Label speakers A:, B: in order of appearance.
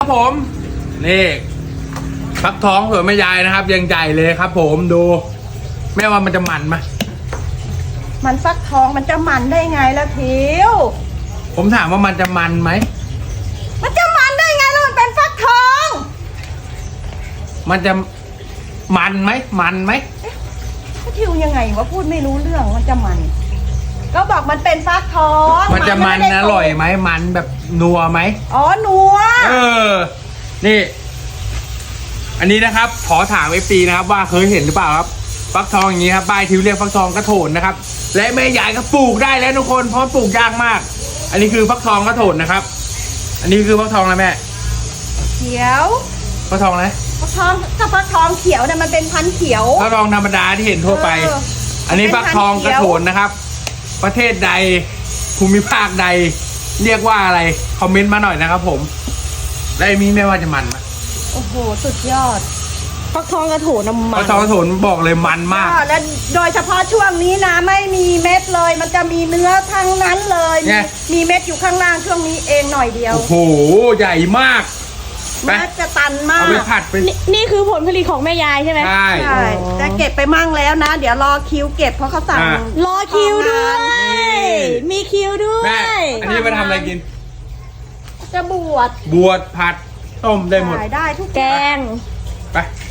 A: ครับผมนี่ฟักทองสวยแม่ยายนะครับยังใหญ่เลยครับผมดูแม่ว่ามันจะมันไหม
B: มันฟักทองมันจะมันได้ไงล่ะทิว
A: ผมถามว่ามันจะมันไหม
B: มันจะมันได้ไงแล้วมันเป็นฟักทอง
A: มันจะมันไหมมันไหม
B: ทิวยังไงวะพูดไม่รู้เรื่องมันจะมัน ก็บอกมันเป็นฟักทอง
A: มันจะมันอร่อยไหมมันแบบนัวไหม
B: อ๋อนัว
A: นี่ อันนี้นะครับขอถามFPนะครับว่าเคยเห็นหรือเปล่าครับฟักทองอย่างนี้ครับบ้านทิวเรียกฟักทองกระโถนนะครับและแม่ยายก็ปลูกได้แล้วทุกคนเพราะปลูกยากมาก อันนี้คือฟักทองกระโถนนะครับ อันนี้คือฟักทองอะไรแม่
B: เขียว
A: ฟักทองอะไร
B: ฟักทองถ้าฟักทองเขียวเนี่ยมันเป็นพันธุ์เขียว
A: ฟักทองธรรมดาที่เห็นทั่วไป อันนี้ฟักทองกระโถนนะครับ ประเทศใดภูมิภาคใด เรียกว่าอะไรคอมเมนต์มาหน่อยนะครับผมและมีแม่ว่าจะมันไหม
B: โอ้โหสุดยอดฟักทองกระโถนน้ำมัน
A: ฟักทองกระโถนบอกเลยมันมาก
B: และโดยเฉพาะช่วงนี้นะไม่มีเม็ดเลย มันจะมีเนื้อทั้งนั้นเลย
A: ไง
B: มีเม็ดอยู่ข้างล่างช่วงนี้เองหน่อยเดียว
A: โอ้โหใหญ่มากไป
B: เม็ดจะตันมา
A: เอา
B: ก
A: ไปผัดไป
C: นี่คือผลผลิตของแม่ยายใช่ไหม
A: ใช่
B: ใช่แต่เก็บไปมั่งแล้วนะ เดี๋ยวรอคิวเก็บเพราะเขาสั่ง
A: อ่ะ
C: รอคิวด้วย
A: นี่
C: มีคิวด้ว
A: แม่
C: ย
A: อันนี้มาทำอะไรกิน
B: จะบวช
A: บวชผัดต้มได้หมด
B: ขายได้ทุก
C: แก
B: อย่าง
C: ง
A: ไป